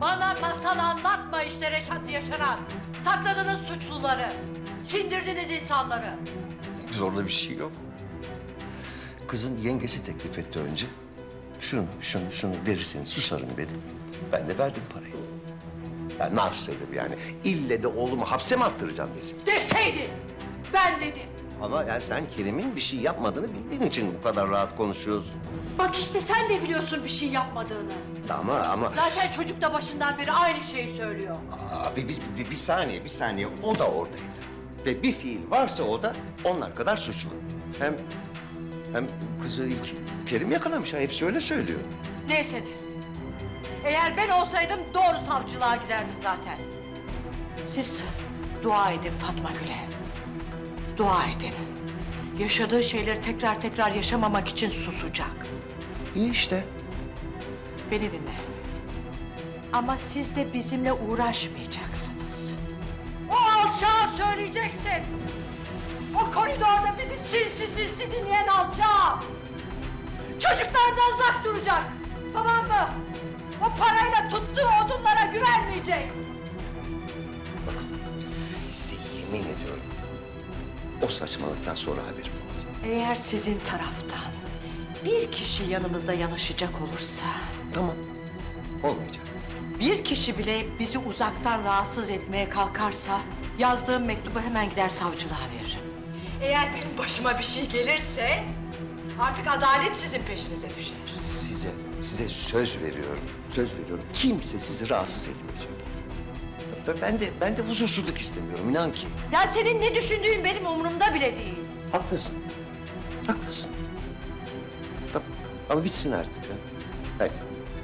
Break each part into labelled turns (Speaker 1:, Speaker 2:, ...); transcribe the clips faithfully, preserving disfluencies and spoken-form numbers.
Speaker 1: Bana masal anlatma işte Reşat'la yaşanan. Sakladınız suçluları. Sindirdiniz insanları.
Speaker 2: Zorla bir şey yok. Kızın yengesi teklif etti önce. Şunu, şunu, şunu verirseniz susarım dedi. Ben de verdim parayı. Ya ne yapsaydım yani? İlle de oğlumu hapse mi attıracağım desin.
Speaker 1: Deseydin. Ben dedim.
Speaker 2: Ama yani sen Kerim'in bir şey yapmadığını bildiğin için bu kadar rahat konuşuyorsun.
Speaker 1: Bak işte sen de biliyorsun bir şey yapmadığını.
Speaker 2: Ama ama...
Speaker 1: Zaten çocuk da başından beri aynı şeyi söylüyor.
Speaker 2: Abi biz bir, bir saniye, bir saniye. O da oradaydı. Ve bir fiil varsa o da onlar kadar suçlu. Hem hem kızı ilk Kerim yakalamış ha. Hepsi öyle söylüyor.
Speaker 1: Neyse de. Eğer ben olsaydım doğru savcılığa giderdim zaten. Siz dua edin Fatma Gül'e. Dua edin. Yaşadığı şeyleri tekrar tekrar yaşamamak için susacak.
Speaker 2: İyi işte.
Speaker 1: Beni dinle. Ama siz de bizimle uğraşmayacaksınız. O alçağa söyleyeceksin. O koridorda bizi sinsi sinsi dinleyen alçağa. Çocuklardan uzak duracak. Tamam mı? O parayla tuttuğu odunlara güvenmeyecek.
Speaker 2: Bakın size yemin ediyorum. O saçmalıktan sonra haberim oldu.
Speaker 1: Eğer sizin taraftan bir kişi yanımıza yanaşacak olursa...
Speaker 2: Tamam. Olmayacak.
Speaker 1: Bir kişi bile bizi uzaktan rahatsız etmeye kalkarsa... yazdığım mektubu hemen gider savcılığa veririm. Eğer benim başıma bir şey gelirse... artık adalet sizin peşinize düşer.
Speaker 2: Size, size söz veriyorum. Söz veriyorum. Kimse sizi rahatsız etmeyecek. Ben de, ben de huzursuzluk istemiyorum, inan ki.
Speaker 1: Ya senin ne düşündüğün benim umurumda bile değil.
Speaker 2: Haklısın. Haklısın. Tamam. Ama bitsin artık ya. Hadi.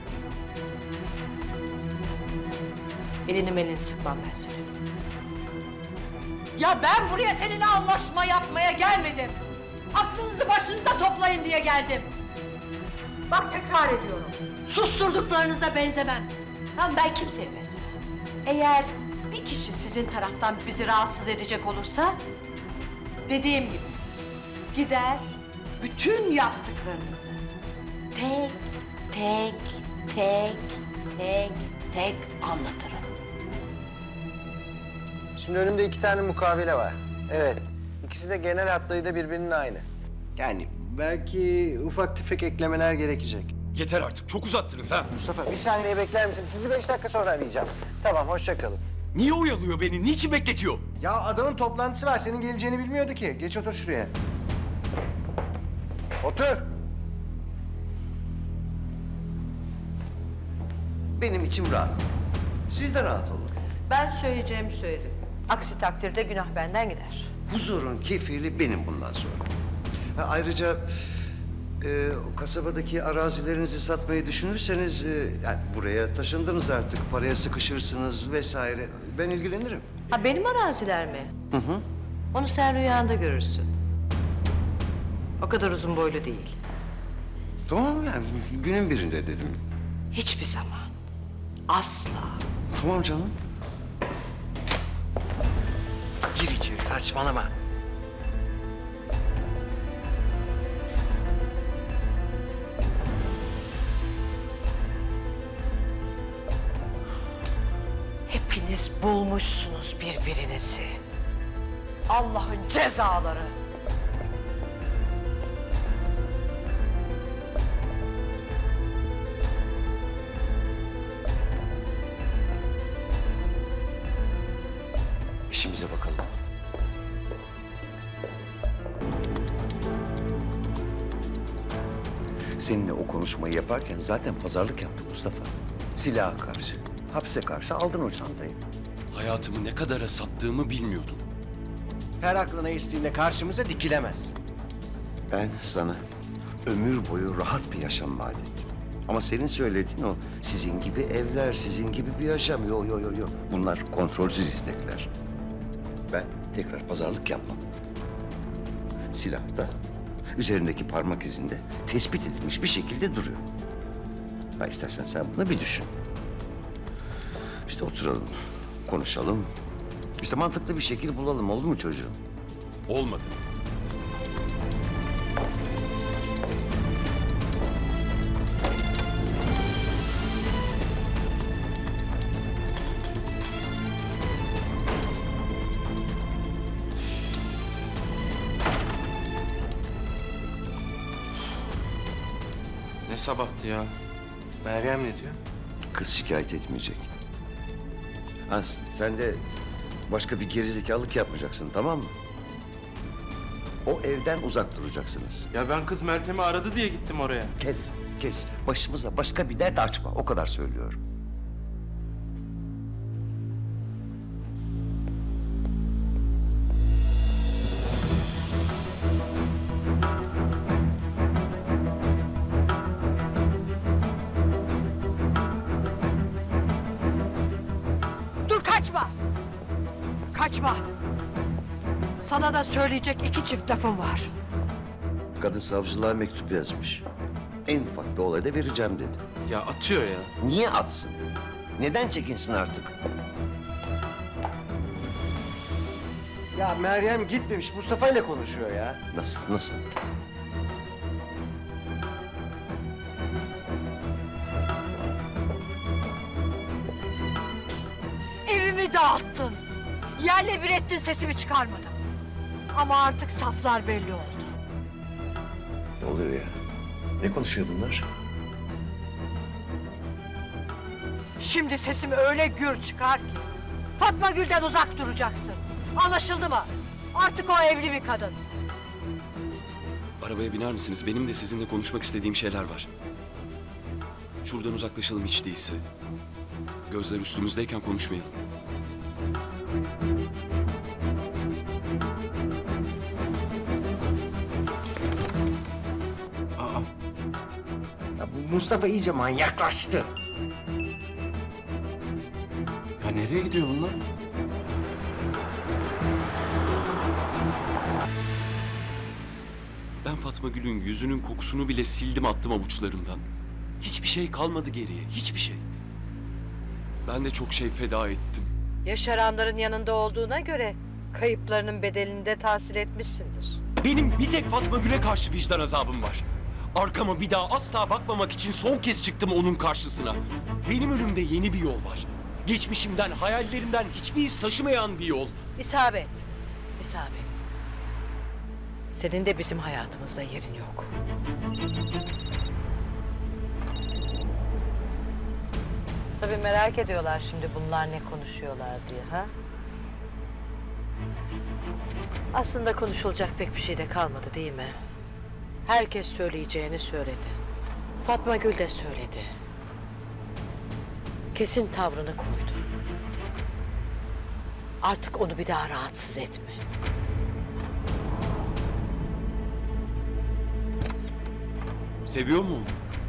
Speaker 1: Elini melini sıkmam ben senin. Ya ben buraya seninle anlaşma yapmaya gelmedim. Aklınızı başınıza toplayın diye geldim. Bak tekrar ediyorum. Susturduklarınıza benzemem. Lan ben kimseye benzemem. Eğer bir kişi sizin taraftan bizi rahatsız edecek olursa... dediğim gibi gider bütün yaptıklarınızı tek tek tek tek tek anlatırım.
Speaker 3: Şimdi önümde iki tane mukavele var. Evet, ikisi de genel hatlarıyla birbirinin aynı. Yani belki ufak tefek eklemeler gerekecek.
Speaker 4: Yeter artık, çok uzattınız ha.
Speaker 3: Mustafa bir saniye bekler misin? Sizi beş dakika sonra arayacağım. Tamam, hoşça kalın.
Speaker 4: Niye oyalıyor beni, niçin bekletiyor?
Speaker 3: Ya adamın toplantısı var, senin geleceğini bilmiyordu ki. Geç otur şuraya. Otur.
Speaker 2: Benim içim rahat. Siz de rahat olun.
Speaker 1: Ben söyleyeceğimi söyledim. Aksi takdirde günah benden gider.
Speaker 2: Huzurun kefili benim bundan sonra. Ha, ayrıca e, o kasabadaki arazilerinizi satmayı düşünürseniz... E, yani buraya taşındınız artık, paraya sıkışırsınız vesaire. Ben ilgilenirim.
Speaker 1: Ha benim araziler mi? Hı hı. Onu sen rüyanda görürsün. O kadar uzun boylu değil.
Speaker 2: Tamam yani günün birinde dedim.
Speaker 1: Hiçbir zaman. Asla.
Speaker 2: Tamam canım.
Speaker 3: Gir içeri, saçmalama.
Speaker 1: Hepiniz bulmuşsunuz birbirinizi. Allah'ın cezaları.
Speaker 2: İşimize bakalım. Seninle o konuşmayı yaparken zaten pazarlık yaptık Mustafa. Silaha karşı, hapse karşı aldın o çantayı.
Speaker 4: Hayatımı ne kadara sattığımı bilmiyordum.
Speaker 3: Her aklına estiğinde karşımıza dikilemez.
Speaker 2: Ben sana ömür boyu rahat bir yaşam vaat ettim. Ama senin söylediğin o sizin gibi evler, sizin gibi bir yaşam. Yo yo yo yo. Bunlar kontrolsüz istekler. Ben tekrar pazarlık yapmam. Silah da üzerindeki parmak izinde tespit edilmiş bir şekilde duruyor. Ha istersen sen bunu bir düşün. İşte oturalım, konuşalım. İşte mantıklı bir şekil bulalım, oldu mu çocuğum?
Speaker 4: Olmadı.
Speaker 5: Ne sabahtı ya?
Speaker 3: Meryem ne diyor?
Speaker 2: Kız şikayet etmeyecek. Ha, sen de başka bir gerizekalılık yapmayacaksın, tamam mı? O evden uzak duracaksınız.
Speaker 5: Ya ben kız Meltem'i aradı diye gittim oraya.
Speaker 2: Kes, kes. Başımıza başka bir dert açma. O kadar söylüyorum.
Speaker 1: Dur kaçma! Kaçma! Sana da söyleyecek iki çift lafım var.
Speaker 2: Kadın savcılığa mektup yazmış. En ufak bir olayda vereceğim dedi.
Speaker 5: Ya atıyor ya.
Speaker 2: Niye atsın? Neden çekinsin artık?
Speaker 3: Ya Meryem gitmemiş, Mustafa ile konuşuyor ya.
Speaker 2: Nasıl, nasıl?
Speaker 1: Evimi dağıttın. Yerle bir ettin, sesimi çıkarmadım. Ama artık saflar belli oldu.
Speaker 2: Ne oluyor ya? Ne konuşuyor bunlar?
Speaker 1: Şimdi sesim öyle gür çıkar ki Fatma Gül'den uzak duracaksın. Anlaşıldı mı? Artık o evli bir kadın.
Speaker 4: Arabaya biner misiniz? Benim de sizinle konuşmak istediğim şeyler var. Şuradan uzaklaşalım hiç değilse. Gözler üstümüzdeyken konuşmayalım.
Speaker 5: Aa,
Speaker 3: Ya bu Mustafa iyice manyaklaştı.
Speaker 5: ya nereye gidiyor bunlar?
Speaker 4: Ben Fatma Gül'ün yüzünün kokusunu bile sildim, attım avuçlarımdan. Hiçbir şey kalmadı geriye, hiçbir şey. Ben de çok şey feda ettim.
Speaker 1: Yaşaranların yanında olduğuna göre kayıplarının bedelini de tahsil etmişsindir.
Speaker 4: Benim bir tek Fatma Gül'e karşı vicdan azabım var. Arkama bir daha asla bakmamak için son kez çıktım onun karşısına. Benim önümde yeni bir yol var. Geçmişimden, hayallerimden hiçbir iz taşımayan bir yol.
Speaker 1: İsabet, isabet. Senin de bizim hayatımızda yerin yok. Tabii merak ediyorlar şimdi bunlar ne konuşuyorlar diye, ha? Aslında konuşulacak pek bir şey de kalmadı değil mi? Herkes söyleyeceğini söyledi. Fatma Gül de söyledi. Kesin tavrını koydu. Artık onu bir daha rahatsız etme.
Speaker 4: Seviyor mu onu?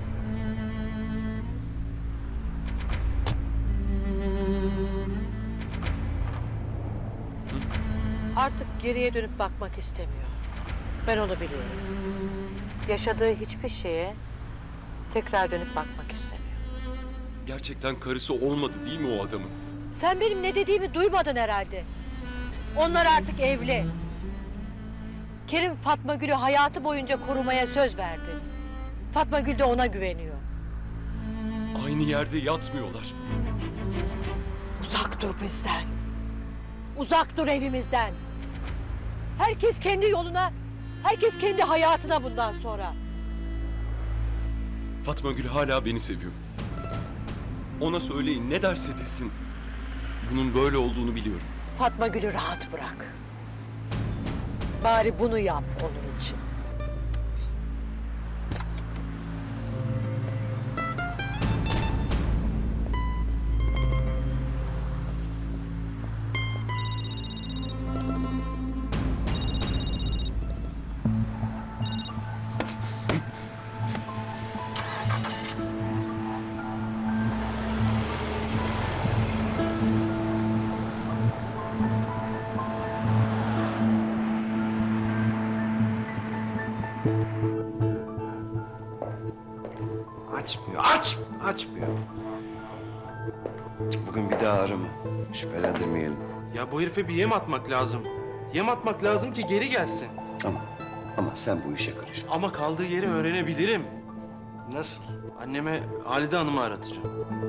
Speaker 1: Artık geriye dönüp bakmak istemiyor. Ben onu biliyorum. Yaşadığı hiçbir şeye tekrar dönüp bakmak istemiyor.
Speaker 4: Gerçekten karısı olmadı değil mi o adamın?
Speaker 1: Sen benim ne dediğimi duymadın herhalde. Onlar artık evli. Kerim Fatma Gül'ü hayatı boyunca korumaya söz verdi. Fatma Gül de ona güveniyor.
Speaker 4: Aynı yerde yatmıyorlar.
Speaker 1: Uzak dur bizden. Uzak dur evimizden. Herkes kendi yoluna, herkes kendi hayatına bundan sonra.
Speaker 4: Fatma Gül hala beni seviyor. Ona söyleyin, ne derse desin. Bunun böyle olduğunu biliyorum.
Speaker 1: Fatma Gül'ü rahat bırak. Bari bunu yap onun için.
Speaker 2: Açmıyor, aç! Açmıyor. Bugün bir daha arama. Şüphelendirmeyelim.
Speaker 5: Ya bu herife bir yem atmak lazım. Yem atmak lazım ki geri gelsin.
Speaker 2: Ama, ama sen bu işe karışma.
Speaker 5: Ama kaldığı yeri öğrenebilirim.
Speaker 3: Nasıl?
Speaker 5: Anneme Halide Hanım'ı aratacağım.